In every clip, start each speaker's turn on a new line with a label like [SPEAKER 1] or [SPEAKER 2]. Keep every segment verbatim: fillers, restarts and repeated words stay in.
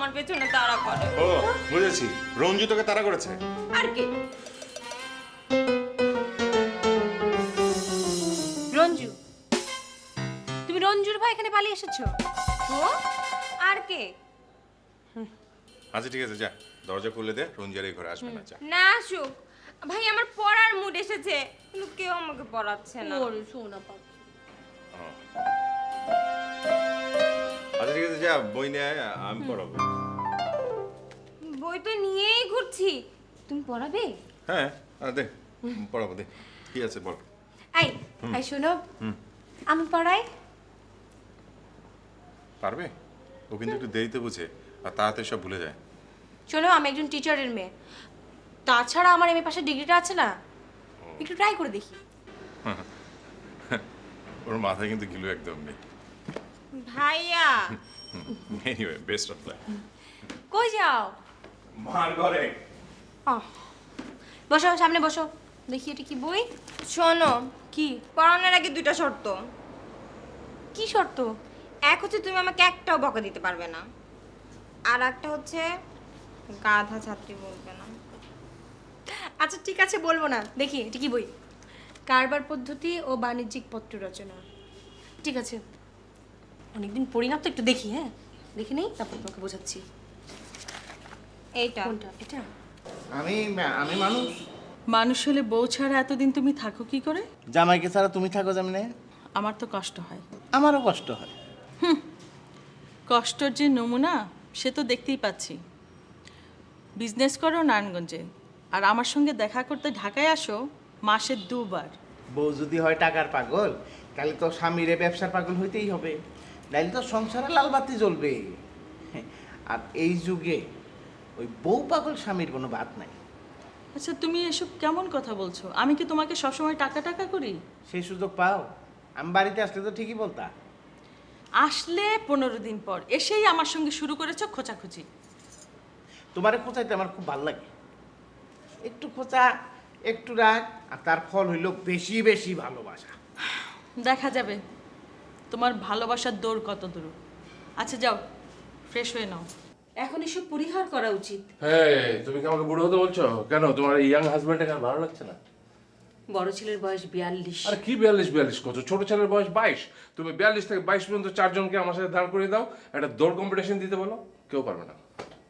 [SPEAKER 1] আমার পেছনে তাড়া করে।
[SPEAKER 2] ও বুঝেছি, রঞ্জু তোকে তাড়া করেছে।
[SPEAKER 1] আর কি? রঞ্জু, তুমি রঞ্জুর ভাই এখানে পালিয়ে এসেছো? ও আর কে?
[SPEAKER 2] আচ্ছা ঠিক আছে, যা দরজা খুলে দে, রঞ্জু আর এই ঘরে আসবে না। যা
[SPEAKER 1] না আসুক, ভাই আমার পড়ার মুড এসেছে, কিন্তু কেউ আমাকে পড়াচ্ছে না।
[SPEAKER 3] ওরে সোনা পাখি।
[SPEAKER 2] ও। আচ্ছা ঠিক আছে, যা বই নিয়ে আয়, আমি পড়াবো।
[SPEAKER 1] বই তো নিয়েই ঘুরছি, তুমি পড়াবে?
[SPEAKER 2] হ্যাঁ আ, দে পড়াবো, দে কি আছে বল।
[SPEAKER 1] এই এই শোনো, আমি পড়াই।
[SPEAKER 2] পারবে? ও কিন্তু একটু দেরিতে বুঝে আর তাড়াতাড়ি সব ভুলে যায়।
[SPEAKER 1] শোনো, আমি একজন টিচারের মেয়ে, তাছাড়া আমার এম এ পাশের ডিগ্রিটা আছে না, একটু ট্রাই করে দেখি।
[SPEAKER 2] ওর মাথায় কিন্তু গিলু একদম নেই।
[SPEAKER 1] ভাইয়া
[SPEAKER 2] এনিওয়ে, বেস্ট অফ লাক।
[SPEAKER 1] কই যাও?
[SPEAKER 2] মার ঘরে।
[SPEAKER 1] আহ, বসো, সামনে বসো, দেখি এটা কি বই। শোনো, কি পড়ানোর আগে দুইটা শর্ত। কি শর্ত? এক হচ্ছে তুমি আমাকে একটাও বকা দিতে পারবে না, আর একটা হচ্ছে গাধা ছাত্রী বলবে না।
[SPEAKER 3] আচ্ছা ঠিক আছে, বলবো না। দেখি এটা কি বই? কারবার পদ্ধতি ও বাণিজ্যিক পত্র রচনা। ঠিক আছে, অনেকদিন পড়ি না তো, একটু দেখি। হ্যাঁ দেখি নেই, তারপর তোমাকে বোঝাচ্ছি।
[SPEAKER 1] এইটা
[SPEAKER 3] কোনটা? এটা?
[SPEAKER 4] আমি আমি মানুষ।
[SPEAKER 5] মানুষ হলে বউ ছাড়া এতদিন তুমি থাকো কি করে?
[SPEAKER 4] জামাইকে ছাড়া তুমি থাকো যেমনে,
[SPEAKER 5] আমার তো কষ্ট হয়।
[SPEAKER 4] আমারও কষ্ট হয়।
[SPEAKER 5] কষ্টর যে নমুনা সে তো দেখতেই পাচ্ছি। বিজনেস করো নারায়ণগঞ্জে, আর আমার সঙ্গে দেখা করতে ঢাকায় আসো মাসে দুবার।
[SPEAKER 4] বউ যদি হয় টাকার পাগল, তাহলে তো স্বামীরে ব্যবসার পাগল হইতেই হবে, নাইলে তো সংসারে লাল বাতি জ্বলবে। আর এই যুগে ওই বউ পাগল স্বামীর কোনো বাদ নাই।
[SPEAKER 5] আচ্ছা তুমি এসব কেমন কথা বলছো? আমি কি তোমাকে সবসময় টাকা টাকা করি?
[SPEAKER 4] সেই সুযোগ পাও? আমি বাড়িতে আসলে তো ঠিকই বলতা।
[SPEAKER 5] আসলে পনেরো দিন পর এসেই আমার সঙ্গে শুরু করেছো খোঁচাখুচি।
[SPEAKER 4] তোমারে খোঁচাইতে আমার খুব ভালো লাগে। একটু খোঁচা, একটু রাগ, আর তার ফল হইল বেশি বেশি ভালোবাসা।
[SPEAKER 5] দেখা যাবে তোমার ভালোবাসার দৌড় কত দূর। আচ্ছা যাও, ফ্রেশ হয়ে নাও।
[SPEAKER 3] এখন এসব পরিহার করা উচিত।
[SPEAKER 6] হ্যাঁ, তুমি কি আমাকে বুড়ো হতে বলছো? কেন, তোমার ইয়াং হাজবেন্ডকে আর ভালো লাগছে না?
[SPEAKER 3] বড় ছেলের বয়স বিয়াল্লিশ।
[SPEAKER 6] আরে কি বিয়াল্লিশ বিয়াল্লিশ করছো? ছোট ছেলের বয়স বাইশ। তুমি বিয়াল্লিশ থেকে বাইশ পর্যন্ত চারজনকে আমার সাথে দাঁড় করে দাও, একটা দৌড় কম্পিটিশন দিতে বলো, কেউ পারবে না।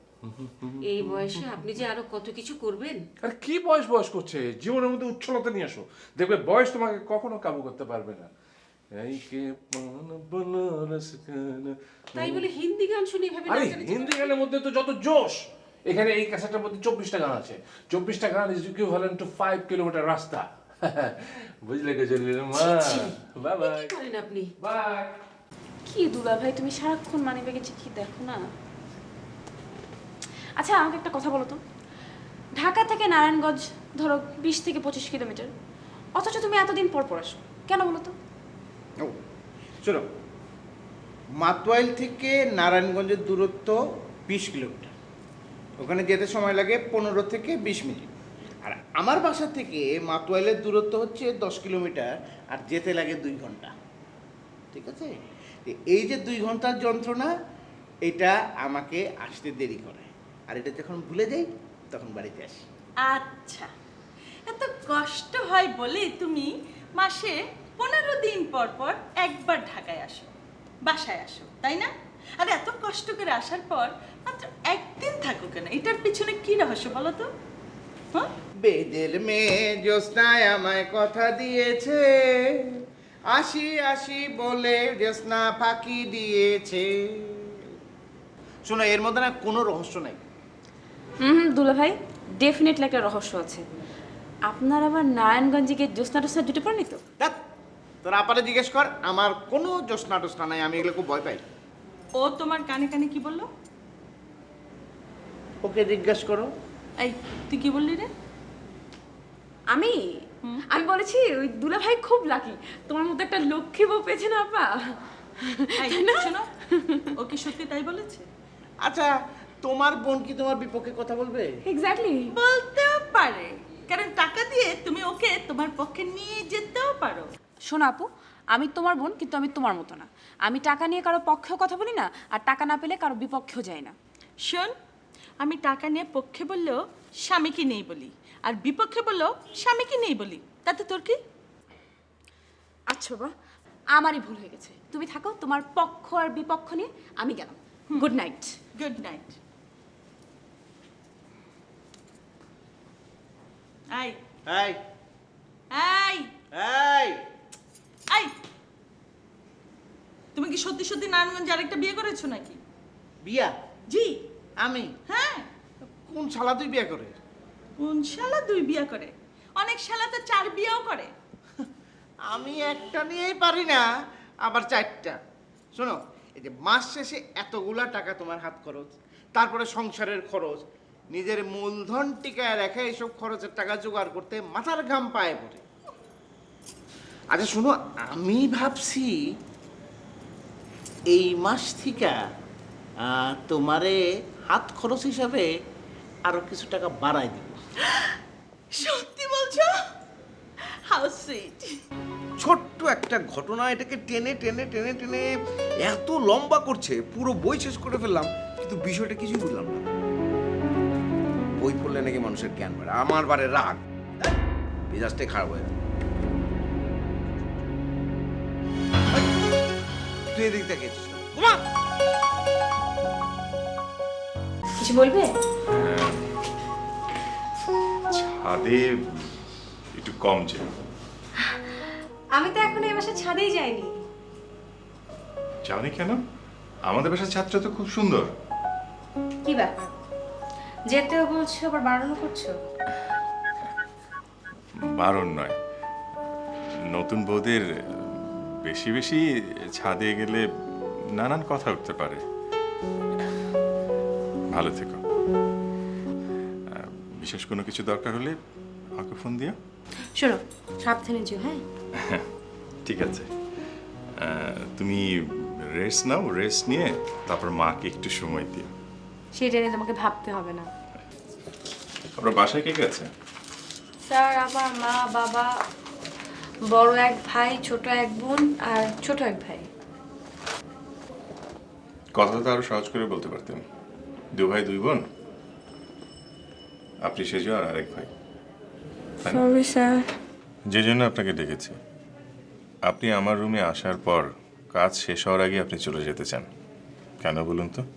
[SPEAKER 3] এই বয়সে আপনি যে আরো কত কিছু করবেন।
[SPEAKER 6] আর কি বয়স বয়স করছে? জীবনের মধ্যে উচ্ছলতা নিয়ে আসো, দেখবে বয়স তোমাকে কখনো কাবু করতে পারবে না। এই কে পান বনারস খানা।
[SPEAKER 3] তাই বলে হিন্দি গান শুনে এভাবে
[SPEAKER 6] আরে
[SPEAKER 3] নাচানাচি
[SPEAKER 6] হিন্দি গানের মধ্যে তো যত জোশ! এখানে এই ক্যাসেটটার মধ্যে চব্বিশটা গান আছে। চব্বিশটা গান is equivalent to five kilometre রাস্তা। বুঝলে কে চলিলে মা? Bye bye.
[SPEAKER 3] কি করেন আপনি?
[SPEAKER 6] বাই।
[SPEAKER 7] কি দুলা ভাই, তুমি সারাক্ষণ মানি ব্যাগে চিঠি দেখো না? আচ্ছা আমাকে একটা কথা বলো তো, ঢাকা থেকে নারায়ণগঞ্জ ধরো বিশ থেকে পঁচিশ কিলোমিটার, অথচ তুমি এতদিন পর পর আসো কেন বলো তো?
[SPEAKER 4] ও শোনো, মাতোয়াইল থেকে নারায়ণগঞ্জের দূরত্ব বিশ কিলোমিটার, ওখানে যেতে সময় লাগে পনেরো থেকে বিশ মিনিট। আর আমার বাসা থেকে মাতোয়াইলের দূরত্ব হচ্ছে দশ কিলোমিটার, আর যেতে লাগে দুই ঘন্টা। ঠিক আছে, তো এই যে দুই ঘন্টার যন্ত্রণা, এটা আমাকে আসতে দেরি করে, আর এটা যখন ভুলে যাই তখন বাড়িতে আসি।
[SPEAKER 5] আচ্ছা, এত কষ্ট হয় বলে তুমি মাসে পনেরো দিন পর পর একবার ঢাকায় আসো, বাসায় আসো, তাই না? আর এত কষ্ট করে আসার পর মাত্র একদিন থাকো কেন? এটার পিছনে কি রহস্য বলো তো? হ্যাঁ,
[SPEAKER 4] বেদের মেয়ে জ্যোৎস্নায় আমায় কথা দিয়েছে, আসি আসি বলে জ্যোৎস্না ফাঁকি দিয়েছে। শোনো, এর মধ্যে না কোনো রহস্য নাই।
[SPEAKER 7] হুম দুলা ভাই, ডেফিনেটলি একটা রহস্য আছে। আপনার আবার নারায়ণগঞ্জে গিয়ে জ্যোৎস্না টোস্না জুটে পড়নি তো?
[SPEAKER 4] দেখ, তোর আপারে জিজ্ঞেস কর, আমার কোনো জ্যোৎস্না টোস্না নাই, আমি এগুলো খুব ভয় পাই।
[SPEAKER 5] ও তোমার কানে কানে কি বললো?
[SPEAKER 4] ওকে জিজ্ঞেস করো।
[SPEAKER 5] এই তুই কি বললি রে?
[SPEAKER 7] আমি আমি বলেছি ওই দুলা ভাই খুব লাকি, তোমার মতো একটা লক্ষ্মী বউ পেয়েছে না আপা।
[SPEAKER 5] এই শোনো, ও কি সত্যি তাই বলেছে?
[SPEAKER 4] আচ্ছা, তোমার বোন কি তোমার বিপক্ষে কথা বলবে?
[SPEAKER 7] এক্স্যাক্টলি।
[SPEAKER 5] বলতেও পারে, কারণ টাকা দিয়ে তুমি ওকে তোমার পক্ষে নিয়ে যেতেও পারো।
[SPEAKER 7] শোনো আপু, আমি তোমার বোন, কিন্তু আমি তোমার মতো না। আমি টাকা নিয়ে কারো পক্ষেও কথা বলি না, আর টাকা না পেলে কারো বিপক্ষেও যাই না।
[SPEAKER 5] শোন, আমি টাকা নিয়ে পক্ষে বললেও স্বামীকে নেই বলি, আর বিপক্ষে বললেও স্বামীকে নেই বলি, তাতে তোর কি?
[SPEAKER 7] আচ্ছা বাবা, আমারই ভুল হয়ে গেছে। তুমি থাকো, তোমার পক্ষ আর বিপক্ষ নিয়ে আমি গেলাম। Good night.
[SPEAKER 5] Good night. আই
[SPEAKER 4] এই
[SPEAKER 5] আই
[SPEAKER 4] এই
[SPEAKER 5] আই, তুমি কি সত্যি সত্যি নারায়ণগঞ্জে আরেকটা বিয়ে করেছো নাকি?
[SPEAKER 4] বিয়া?
[SPEAKER 5] জি।
[SPEAKER 4] আমি?
[SPEAKER 5] হ্যাঁ।
[SPEAKER 4] কোন শালা তুই বিয়া করে?
[SPEAKER 5] কোন শালা দুই বিয়ে করে? অনেক শালা তো চার বিয়েও করে।
[SPEAKER 4] আমি একটা নিয়েই পারি না, আবার চারটা। শোনো, এই যে মাস শেষে এতগুলা টাকা তোমার হাত খরচ, তারপরে সংসারের খরচ, নিজের মূলধন টিকায় রেখে এইসব খরচের টাকা জোগাড় করতে মাথার ঘাম পায়ে পড়ে। আচ্ছা শোনো, আমি ভাবছি এই মাস থেকে আহ, তোমারে হাত খরচ হিসাবে আরো কিছু টাকা বাড়াই দিব।
[SPEAKER 5] সত্যি বলছো? How sweet.
[SPEAKER 8] ছোট্ট একটা ঘটনা এটাকে টেনে টেনে টেনে টেনে এত লম্বা করছে, পুরো বই শেষ করে ফেললাম, কিন্তু বিষয়টা কিছুই বুঝলাম না। বই পড়লে নাকি মানুষের জ্ঞান বাড়ে, আমার বারে রাগ, মেজাজটাই খারাপ হয়ে গেল। তুই এদিক দেখেছিস না?
[SPEAKER 3] কিছু বলবে?
[SPEAKER 2] ছাদে একটু কম যে।
[SPEAKER 3] আমি তো এখন এই বাসার ছাদেই যাইনি।
[SPEAKER 2] যাওনি কেন? আমাদের বাসার ছাদটা তো খুব সুন্দর।
[SPEAKER 3] কি ব্যাপার, যেতেও বলছো আবার বারণও করছো?
[SPEAKER 2] বারণ নয়, নতুন বউদের বেশি বেশি ছাদে গেলে নানান কথা উঠতে পারে। ভালো থেকো। আহ, বিশেষ কোনো কিছু দরকার হলে আমাকে ফোন দিও।
[SPEAKER 3] শোনো, সাবধানে যেও। হ্যাঁ
[SPEAKER 2] ঠিক আছে। আহ, তুমি রেস্ট নাও, রেস্ট নিয়ে তারপর মাকে একটু সময় দিও।
[SPEAKER 3] সেটা নিয়ে তোমাকে ভাবতে হবে না।
[SPEAKER 2] আপনার বাসায় কে কে আছে?
[SPEAKER 3] স্যার, আমার মা, বাবা, বড় এক ভাই, ছোট এক বোন আর ছোট এক ভাই।
[SPEAKER 2] কথাটা তো আরো সহজ করে বলতে পারতেন। দু ভাই দুই বোন, আপনি সেজো আর আরেক ভাই। তাই না?
[SPEAKER 1] Sorry sir.
[SPEAKER 2] যে জন্য আপনাকে ডেকেছি, আপনি আমার রুমে আসার পর কাজ শেষ হওয়ার আগে আপনি চলে যেতে চান কেন বলুন তো?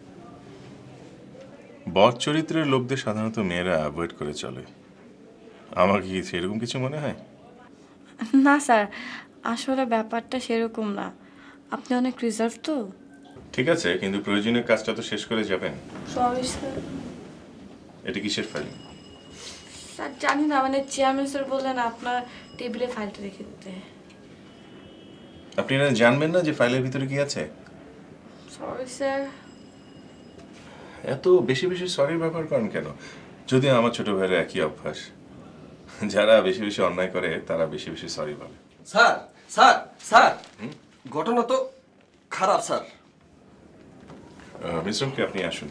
[SPEAKER 2] বদ চরিত্রের লোকদের সাধারণত মেয়েরা অ্যাভয়েড করে চলে। আমার কি সেরকম কিছু মনে হয়?
[SPEAKER 1] না স্যার, আসলে ব্যাপারটা সেরকম না। আপনি অনেক রিজার্ভ তো।
[SPEAKER 2] ঠিক আছে, কিন্তু প্রয়োজনীয় কাজটা তো শেষ করে যাবেন।
[SPEAKER 1] Sorry sir.
[SPEAKER 2] এটা কিসের ফাইল?
[SPEAKER 1] স্যার জানি না, মানে চেয়ারম্যান স্যার বললেন আপনার টেবিলে ফাইলটা রেখে দিতে।
[SPEAKER 2] আপনি না জানবেন না যে ফাইলের ভিতরে কি আছে?
[SPEAKER 1] Sorry sir.
[SPEAKER 2] এত বেশি বেশি সরি ব্যবহার করেন কেন? যদিও আমার ছোট ভাইয়ের একই অভ্যাস, যারা বেশি বেশি অন্যায় করে তারা বেশি বেশি সরি বলে।
[SPEAKER 9] স্যার স্যার স্যার ঘটনা তো খারাপ স্যার।
[SPEAKER 2] মিশ্রমকে আপনি আসুন।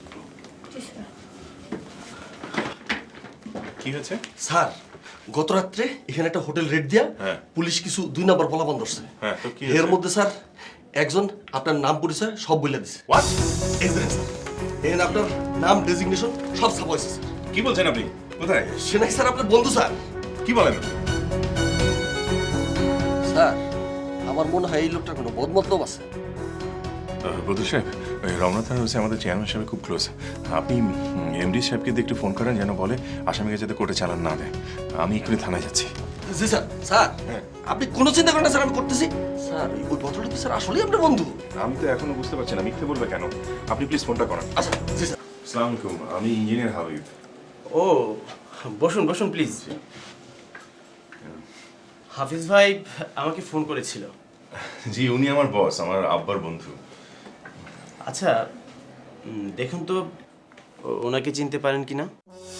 [SPEAKER 2] কি হয়েছে?
[SPEAKER 9] স্যার গত রাত্রে এখানে একটা হোটেল রেড দিয়া
[SPEAKER 2] হ্যাঁ।
[SPEAKER 9] পুলিশ কিছু দুই নাম্বার পোলা বন্ধ করছে।
[SPEAKER 2] হ্যাঁ, তো কি
[SPEAKER 9] এর
[SPEAKER 2] হয়েছে?
[SPEAKER 9] মধ্যে স্যার একজন আপনার নাম পরিচয় সব বলে দিছে।
[SPEAKER 2] হোয়াট?
[SPEAKER 9] এখানে স্যার, এখানে আপনার নাম ডেজিগনেশন সব ছাপা হয়েছে স্যার।
[SPEAKER 2] কি বলছেন আপনি? কোথায়?
[SPEAKER 9] সে নাকি স্যার আপনার বন্ধু স্যার।
[SPEAKER 2] কি বলেন?
[SPEAKER 9] স্যার আমার মনে হয় এই লোকটার কোনো বদমতলব আছে।
[SPEAKER 2] বদরু সাহেব, ওই রমনাথ আর হচ্ছে আমাদের চেয়ারম্যান সাহেব খুব ক্লোজ। আপনি এমডি সাহেবকে দিয়ে একটু ফোন করেন যেন বলে আসামিকে যাতে কোর্টে চালান না দেয়। আমি এক্ষুনি থানায় যাচ্ছি।
[SPEAKER 9] জি স্যার। স্যার
[SPEAKER 2] হ্যাঁ।
[SPEAKER 9] আপনি কোনো চিন্তা করেন না স্যার, আমি করতেছি। স্যার ওই- ওই ভদ্রলোক তো স্যার আসলেই আপনার বন্ধু।
[SPEAKER 2] আমি তো এখনো বুঝতে পারছি না মিথ্যে বলবে কেন। আপনি প্লিজ ফোনটা করেন।
[SPEAKER 9] আচ্ছা জি স্যার।
[SPEAKER 2] আসসালামু আলাইকুম, আমি ইঞ্জিনিয়ার হাবিব।
[SPEAKER 10] ও বসুন বসুন প্লিজ। হাফিজ ভাই আমাকে ফোন করেছিল।
[SPEAKER 2] জি, উনি আমার বস, আমার আব্বার বন্ধু।
[SPEAKER 10] আচ্ছা উম, দেখুন তো ও- ওনাকে চিনতে পারেন কিনা।